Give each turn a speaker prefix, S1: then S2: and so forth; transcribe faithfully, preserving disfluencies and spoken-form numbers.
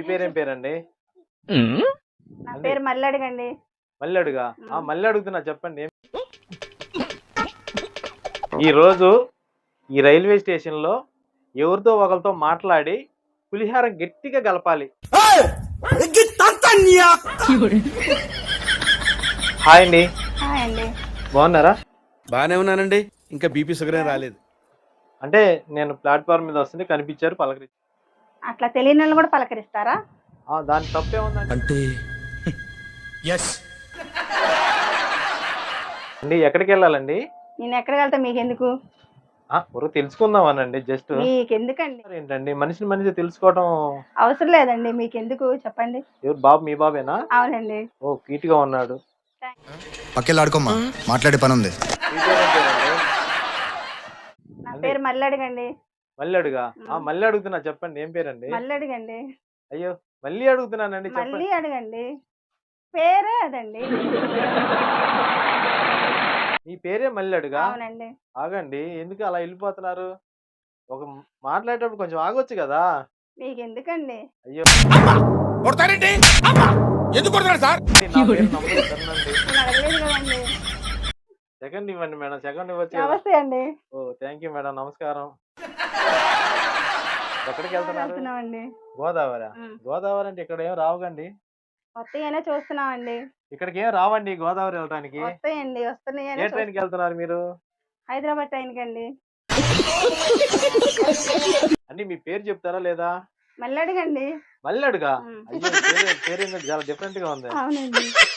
S1: పేరేం పేరండి?
S2: నా
S1: అండి
S2: పేరు మల్లెడుగండి.
S1: మళ్ళీ అడుగా ఆ
S2: హ్మ్.
S1: మళ్ళీ అడుగుతున్నా చెప్పండి. ఏం ఈ రోజు ఈ రైల్వే స్టేషన్ లో ఎవరితో ఒకరితో మాట్లాడి పులిహార గట్టిగా కలపాలి. హాయ్ అండి,
S2: హాయ్ అండి.
S1: బాగున్నారా?
S3: బానే ఉన్నానండి. ఇంకా బీపీ షుగర్ ఏం రాలేదు.
S1: అంటే నేను ప్లాట్ఫామ్ మీద వస్తుంటే కనిపించారు, పలకరించి.
S2: అట్లా తెలియని వాళ్ళు కూడా పలకరిస్తారా?
S1: ఆ, దాని తప్పే ఉందండి.
S3: అంటే ఎస్
S1: అండి ఎక్కడికి వెళ్ళాలండి?
S2: నేను ఎక్కడికి వెళ్తా మీకెందుకు?
S1: ఆ ఊరు తెలుసుకుందామనండి జస్ట్.
S2: మీకెందుకండి?
S1: ఏంటండి మనిషిని మనిషి తెలుసుకోవడం.
S2: అవసరం లేదండి. మీకెందుకు చెప్పండి?
S1: ఎవరు బాబు? మీ బాబేనా?
S2: అవునండి.
S1: ఓ క్యూట్ గా ఉన్నాడు.
S4: పక్కెళ్ళాడుకోమ్మా, మాట్లాడే పని ఉంది.
S1: మీ పేరేం పేరండి?
S2: నా
S1: అండి
S2: పేరు మల్లెడుగండి.
S1: మళ్ళీ అడుగా ఆ
S2: హ్మ్.
S1: మళ్ళీ అడుగుతున్నా చెప్పండి. ఏం పేరండి?
S2: మల్లెడుగండి.
S1: అయ్యో, మళ్ళీ అడుగుతున్నానండి
S2: మళ్ళీ
S1: చెప్పండి.
S2: అడగండి. పేరే అదండి.
S1: మీ పేరే మళ్ళీ అడుగా?
S2: అవునండి.
S1: ఆగండి, ఎందుకు అలా వెళ్ళిపోతున్నారు? ఒక మ్- మాట్లాడేటప్పుడు కొంచెం ఆగొచ్చు కదా.
S2: మీకెందుకండి?
S1: అయ్యో,
S3: కొడతారేంటి? ఎందుకు కొడతారు సార్?
S1: నా పేరు నమ్మలేదు కదండి.
S2: నేను అడగలేదు కదండి.
S1: సెకండ్ ఇవ్వండి మేడం, సెకండ్ ఇవ్వచ్చు కదా.
S2: నమస్తే అండి.
S1: ఓ థ్యాంక్ యూ మేడం, నమస్కారం. ఎక్కడికి వెళ్తున్నారు?
S2: వెళ్తున్నామండి.
S1: గోదావరి.
S2: ఉమ్.
S1: గోదావరి అంటే ఇక్కడ ఏం రావుగండి.
S2: వస్తాయనే చూస్తున్నామండి.
S1: ఇక్కడికి ఏం రావండి గోదావరి వెళ్ళడానికి.
S2: వస్తాయండి.
S1: ఏ
S2: వస్తున్నాయనే
S1: ట్రైన్కి వెళ్తున్నారు మీరు?
S2: హైదరాబాద్ ట్రైన్కి అండి.
S1: అండి మీ పేరు చెప్తారా లేదా?
S2: మళ్ళీ అడగండి.
S1: మళ్ళీ అడుగా?
S2: ఉమ్.
S1: అయ్యో, పేరు పేరు ఏందో చాలా డిఫరెంట్ గా ఉంది.
S2: అవునండి.